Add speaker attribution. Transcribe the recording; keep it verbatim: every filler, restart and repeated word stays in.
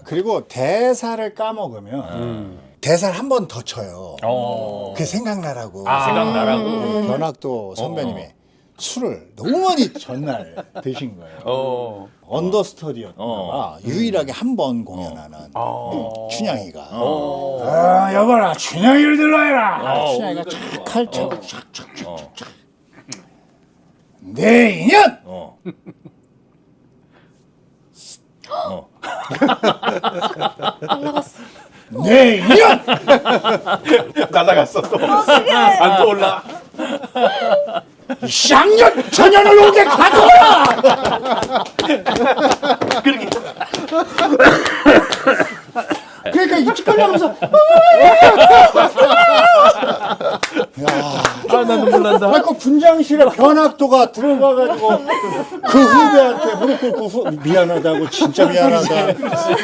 Speaker 1: 그리고 대사를 까먹으면
Speaker 2: 음.
Speaker 1: 대사를 한 번 더 쳐요.
Speaker 2: 어.
Speaker 1: 그게 생각나라고.
Speaker 2: 아. 생각나라고.
Speaker 1: 그 변학도 선배님이
Speaker 2: 어.
Speaker 1: 술을 너무 많이 전날 드신 거예요.
Speaker 2: 어.
Speaker 1: 언더스터디였나 봐.
Speaker 2: 어.
Speaker 1: 유일하게 한 번 공연하는
Speaker 2: 어.
Speaker 1: 춘향이가.
Speaker 2: 어.
Speaker 1: 아, 여봐라, 춘향이를 들러해라.
Speaker 2: 어,
Speaker 1: 춘향이가
Speaker 2: 그러니까
Speaker 1: 촥
Speaker 2: 좋아.
Speaker 1: 칼차고
Speaker 2: 어.
Speaker 1: 촥촥촥.
Speaker 2: 어.
Speaker 1: 내 인연!
Speaker 2: 어. 어.
Speaker 3: 올라갔어.
Speaker 1: 내 인연!
Speaker 2: 날아갔어 또. 안 떠올라.
Speaker 1: 쌍년 전연을 오게 가둬라!
Speaker 2: 그렇게.
Speaker 1: 그러니까 이쪽까지 하면서
Speaker 2: 아, 나 눈물 난다.
Speaker 1: 아, 그 분장실에 변학도가 들어가가지고 그 후배한테 무릎 꿇고 후, 미안하다고 진짜 미안하다.